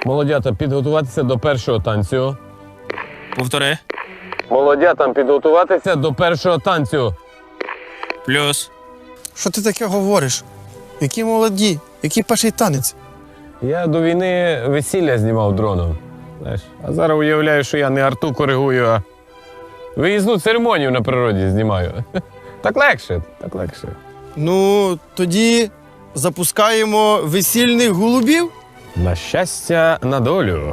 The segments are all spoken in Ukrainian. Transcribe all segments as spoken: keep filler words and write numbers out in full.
Молодята, підготуватися до першого танцю. Повтори. Молодятам підготуватися до першого танцю. Плюс. Що ти таке говориш? Які молоді, який перший танець? Я до війни весілля знімав дроном. Знаєш, а зараз уявляю, що я не арту коригую, а виїзну церемонію на природі знімаю. Так легше, так легше. Ну, тоді запускаємо весільних голубів. На щастя, на долю.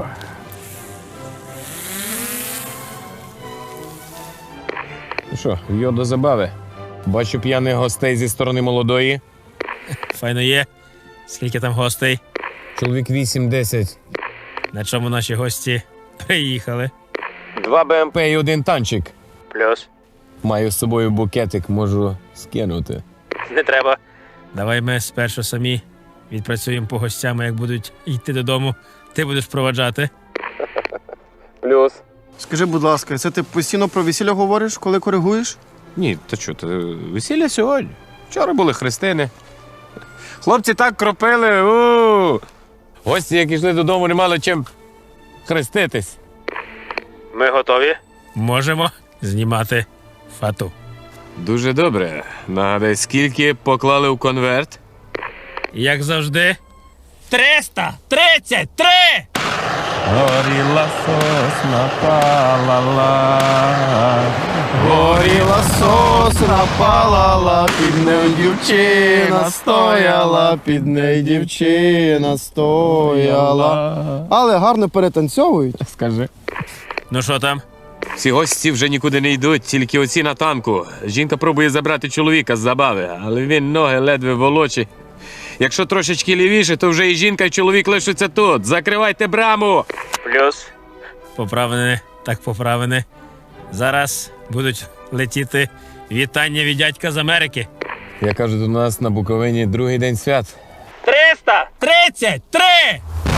Ну що, йо до забави. Бачу п'яних гостей зі сторони молодої. Файно є. Скільки там гостей? Чоловік вісім-десять. На чому наші гості приїхали? Два БМП і один танчик. Плюс. Маю з собою букетик, можу скинути. Не треба. Давай ми спершу самі відпрацюємо по гостям, а як будуть йти додому, ти будеш проваджати. Плюс. Скажи, будь ласка, це ти постійно про весілля говориш, коли коригуєш? Ні, та що, то весілля сьогодні. Вчора були хрестини. Хлопці так кропили. У! Гості, як йшли додому, не мали чим хреститись. Ми готові? Можемо знімати фату. Дуже добре. Нагадай, скільки поклали в конверт? Як завжди. триста тридцять три! Горіла сосна, палала, горіла сосна, палала, під нею дівчина стояла, під нею дівчина стояла. Але гарно перетанцьовують. Скажи. Ну що там? Всі гості вже нікуди не йдуть, тільки оці на танку. Жінка пробує забрати чоловіка з забави, але він ноги ледве волочить. Якщо трошечки лівіше, то вже і жінка, і чоловік лишаться тут. Закривайте браму! Плюс. Поправини, так поправини. Зараз будуть летіти вітання від дядька з Америки. Я кажу, до нас на Буковині другий день свят. триста тридцять три!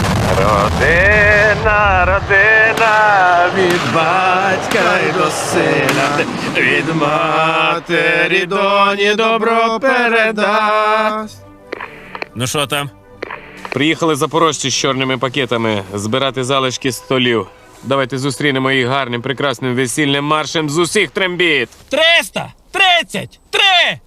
Родина, родина, від батька й до сина, від матері доні добро передасть. Ну що там? Приїхали запорожці з чорними пакетами збирати залишки столів. Давайте зустрінемо їх гарним, прекрасним весільним маршем з усіх трембіт. триста тридцять три!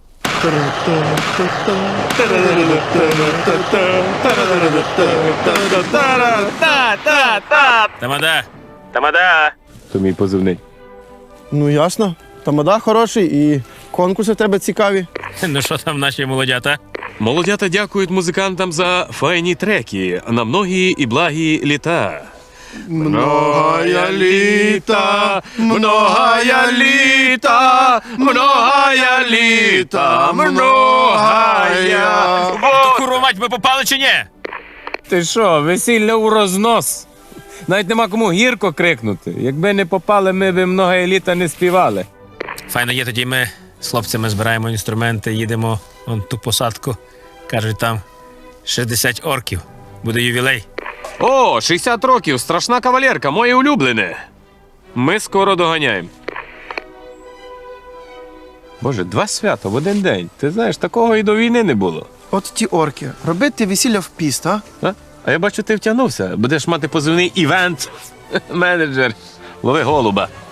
Тамада! Тамада! То мій позивний. Ну, ясно. Тамада хороший і конкурси в тебе цікаві. Ну що там наші молодята? Молодята дякують музикантам за файні треки на многі і благі літа. Многая літа, многая літа, многая літа, многая. То курва мать, ми попали чи ні? Ти що, весілля у рознос? Навіть нема кому гірко крикнути. Якби не попали, ми б многая літа не співали. Файно є, тоді ми з хлопцями збираємо інструменти, їдемо вон ту посадку. Кажуть, там шістдесят орків. Буде ювілей. О, шістдесят років, страшна кавалерка, моє улюблене. Ми скоро доганяємо. Боже, два свята в один день. Ти знаєш, такого і до війни не було. От ті орки. Робити весілля в піст, а? А, а я бачу, ти втягнувся. Будеш мати позивний івент-менеджер. Лови голуба.